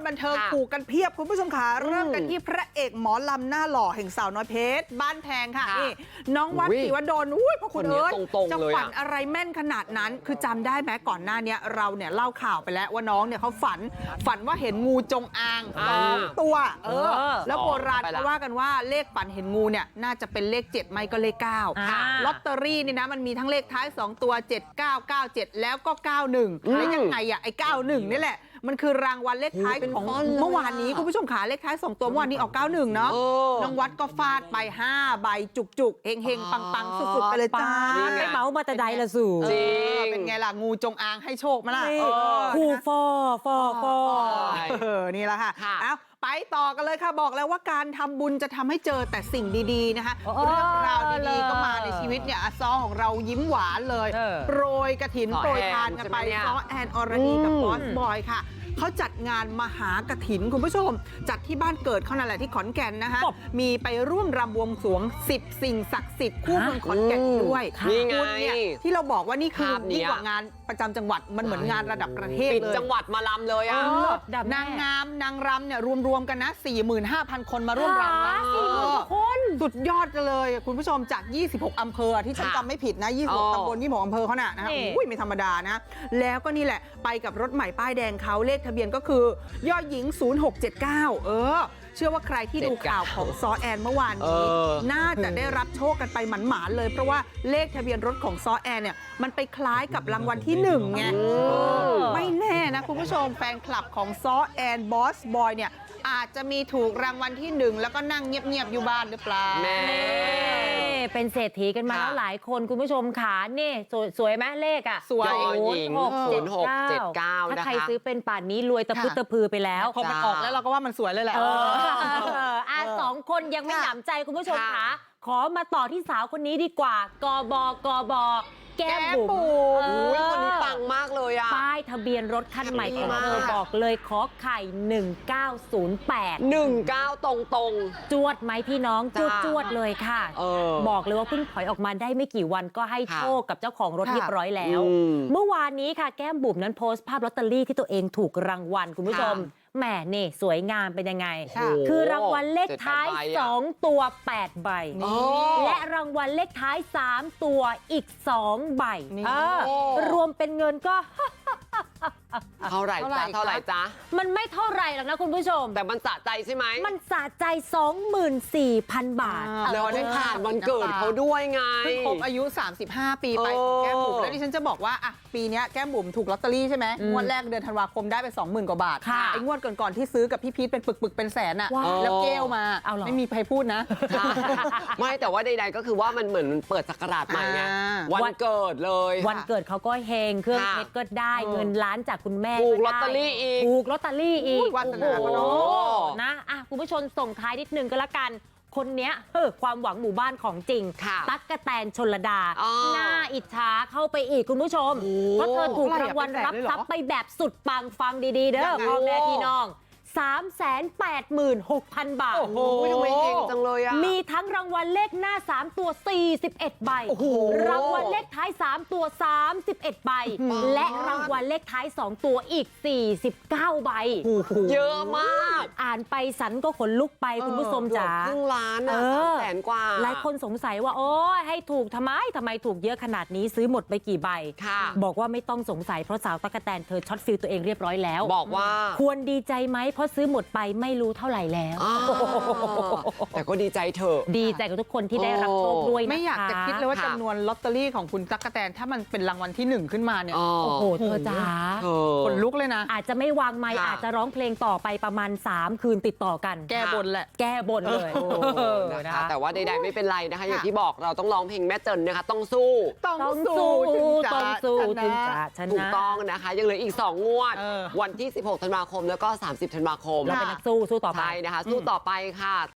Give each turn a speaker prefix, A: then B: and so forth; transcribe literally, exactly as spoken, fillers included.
A: บันเทิงผูกกันเพียบคุณผู้ชมค่ะเริ่มกันที่พระเอกหมอลำหน้าหล่อแห่งสาวน้อยเพชรบ้านแพงค่ะนี่น้องวัดศรีวดลอุ้ยพระคุณเอิญจะฝันอะไรแม่นขนาดนั้นคือจำได้ไหมก่อนหน้านี้เราเนี่ยเล่าข่าวไปแล้วว่าน้องเนี่ยเขาฝันฝันว่าเห็นงูจงอางสองตัวเออแล้วโบราณเขาว่ากันว่าเลขฝันเห็นงูเนี่ยน่าจะเป็นเลขเจ็ดไม่ก็เลขเก้าลอตเตอรี่นี่นะมันมีทั้งเลขท้ายสองตัวเจ็ดเก้าเก้าเจ็ดแล้วก็เก้าหนึ่งแล้วยังไงอ่ะไอ้เก้าหนึ่งนี่แหละมันคือรางวัลเลขท้ายของเมื่อวานนี้คุณผู้ชมขาเลขท้ายสองตัวเมื่อวานนี้ออกเก้าหนึ่งเนาะน้องวัดก็ฟาดไปห้าใบจุกๆเฮงๆปังๆสุดๆไปเลยจ้า
B: ไปเมาส์มาแต่ใดละสู่
A: เป็นไงล่ะงูจงอางให้โชคมาล่ะ
B: คู่ฟอฟอฟอ
A: นี่แหละค่ะเอาไปต่อกันเลยค่ะบอกแล้วว่าการทำบุญจะทำให้เจอแต่สิ่งดีๆนะคะเรื่องราวดีๆก็มาในชีวิตเนี่ยอาซอของเรายิ้มหวานเลยโปรยกระถินโปรยทานกันไปซ้อแอนอรดีกับบอสบอยค่ะเขาจัดงานมหากฐินคุณผู้ชมจัดที่บ้านเกิดเขานั่นแหละที่ขอนแก่นนะคะมีไปร่วมรำบวงสรวงสิบสิ่งศักดิ์สิทธิ์คู่เมืองขอนแก่นด้วย
C: นี่ไง
A: ที่เราบอกว่านี่คือยิ่งกว่างานประจำจังหวัดมันเหมือนงานระดับประเทศเลย
C: ปิดจังหวัดมาลำเลยอ่ะ
A: นางงามนางรำเนี่ยรวมๆกันนะ สี่หมื่นห้าพัน คนมาร่วมรำ
B: คน
A: สุดยอดเลยคุณผู้ชมจากยี่สิบหกอำเภอที่ฉันจำไม่ผิดนะยี่สิบหกตำบลยี่สิบหกอำเภอเขาน่ะนะอุ้ยไม่ธรรมดานะแล้วก็นี่แหละไปกับรถใหม่ป้ายแดงเขาเลขทะเบียนก็คือยอหญิงศูนย์หกเจ็ดเก้าเออเชื่อว่าใครที่ดูข่าวของซอแอนเมื่อวานนี้น่าจะได้รับโชคกันไปหมานๆเลยเพราะว่าเลขทะเบียนรถของซอแอนเนี่ยมันไปคล้ายกับรางวัลที่หนึ่งไงไม่แน่นะคุณผู้ชมแฟนคลับของซอแอนบอสบอยเนี่ยอาจจะมีถูกรางวัลที่หนึ่งแล้วก็นั่งเงียบๆอยู่บ้านหรือเปล่า
B: แม่เป็นเศรษฐีกันมาแล้วหลายคนคุณผู้ชมขาเนี่ยสวยไหมเลขอ่ะ
A: สวย
C: หกเจ็ดหกเจ็ดเก้า
B: ถ้าใครซื้อเป็นป่านนี้รวยตะพุตะพือไปแล้ว
A: พอมันออกแล้วเราก็ว่ามันสวยเลยแหละ
B: อ่ะสองคนยังไม่หนำใจคุณผู้ชมขาขอมาต่อที่สาวคนนี้ดีกว่ากบกบแก้มบุ๋ม
C: คนนี้ปังมากเลยอ่ะ
B: ป้ายทะเบียนรถคันใหม่ของเธอบอกเลยขอไข่หนึ่งเก้าศูนย์แปด
C: หนึ่งเก้าตรงตรง
B: จวดไหมพี่น้องจวดจวดเลยค่ะบอกเลยว่าเพิ่งถอยออกมาได้ไม่กี่วันก็ให้โชคกับเจ้าของรถเรียบร้อยแล้วเมื่อวานนี้ค่ะแก้มบุ๋มนั้นโพสต์ภาพลอตเตอรี่ที่ตัวเองถูกรางวัลคุณผู้ชมแหมนี่สวยงามเป็นยังไงคือรางวัลเลขท้ายสองตัวแปดใบและรางวัลเลขท้ายสามตัวอีกสองใบรวมเป็นเงินก็
C: เท่าไหร่จ๊ะเท่าไหร่จ๊ะ
B: มันไม่เท่าไหร่หรอกนะคุณผู้ชม
C: แต่มันสะใจใช่ไหม
B: มันสะใจ สองหมื่นสี่พัน บาท
C: แล้วได้ผ่านวันเกิดเขาด้วยไง
A: เพิ่งครบอายุสามสิบห้าปีไปของแก้มบุ๋มแล้วดิฉันจะบอกว่าอ่ะปีนี้แก้มบุ๋มถูกลอตเตอรี่ใช่ไหมงวดแรกเดือนธันวาคมได้ไป สองหมื่น กว่าบาทไอ้งวดก่อนๆที่ซื้อกับพี่พีทเป็นปึกๆเป็นแสนอ่ะแล้วเกลมาไม่มีใครพูดนะ
C: ไม่แต่ว่าใดๆก็คือว่ามันเหมือนเปิดศักราชใหม่ไงวันเกิดเลย
B: วันเกิดเขาก็เฮงเครื่องเพชรก็ได้เงินล้านจากคุณแม่
C: ถูกลอตเตอรี่อีก
B: ถูกลอตเตอรี่อีก
A: วันนาพน
B: นะอ่ะคุณผู้ชมส่งท้ายนิดนึงก็แล้วกันคนเนี้ยเออความหวังหมู่บ้านของจริงตั๊กกะแตนชลดาหน้าอิจฉาเข้าไปอีกคุณผู้ชมเพราะเธอถูกรางวัลรับทรัพย์ไปแบบสุดปังฟังดีๆเด้อพ่อแม่พี่น้องสามแสนแปดหมื่นหกพัน บาท
C: โอ้โหทำไมเก่งจังเลยอ่ะ
B: มีทั้งรางวัลเลขหน้าสามตัวสี่สิบเอ็ดใบรางวัลเลขท้ายสามตัวสามสิบเอ็ดใบและรางวัลเลขท้ายสองตัวอีกสี่สิบเก้าใบ
C: เยอะมาก
B: อ่านไปสันก็ขนลุกไปคุณผู้ชมจ๋า
C: ครึ่งล้านอ่ะแสนกว่า
B: หลายคนสงสัยว่าโอ้ยให้ถูกทำไมทำไมถูกเยอะขนาดนี้ซื้อหมดไปกี่ใบบอกว่าไม่ต้องสงสัยเพราะสาวตั๊กกะแตนเธอช็อตฟิลตัวเองเรียบร้อยแล้ว
C: บอกว่า
B: ควรดีใจไหมเพราะซื้อหมดไปไม่รู้เท่าไหร่แล้ว
C: แต่ก็ดีใจเถอะ
B: ดีใจกับทุกคนที่ได้รับโชคด้วย
A: ไม่อยากจะคิดเลยว่าจำนวนลอตเตอรี่ของคุณตั๊กกะแตนถ้ามันเป็นรางวัลที่หนึ่งขึ้นมาเนี่ย
B: โอ้โหเธอจ๋า
A: คนลุกเลยนะ
B: อาจจะไม่วางไมค์อาจจะร้องเพลงต่อไปประมาณสามคืนติดต่อกัน
A: แก้บนแหละ
B: แก้บนเลย
C: นะคะแต่ว่าใดๆไม่เป็นไรนะคะอย่างที่บอกเราต้องร้องเพลงแม่เจินนะคะต้องสู้
A: ต้องสู้
B: ต้องสู้ถึงจะชนะ
C: ถูกต้องนะคะยังเหลืออีกสองงวดวันที่สิบหกธันวาคมแล้วก็สามสิบธันวาคม
B: เราเป็นนักสู้สู้ต่อไป
C: นะคะสู้ต่อไปค่ะ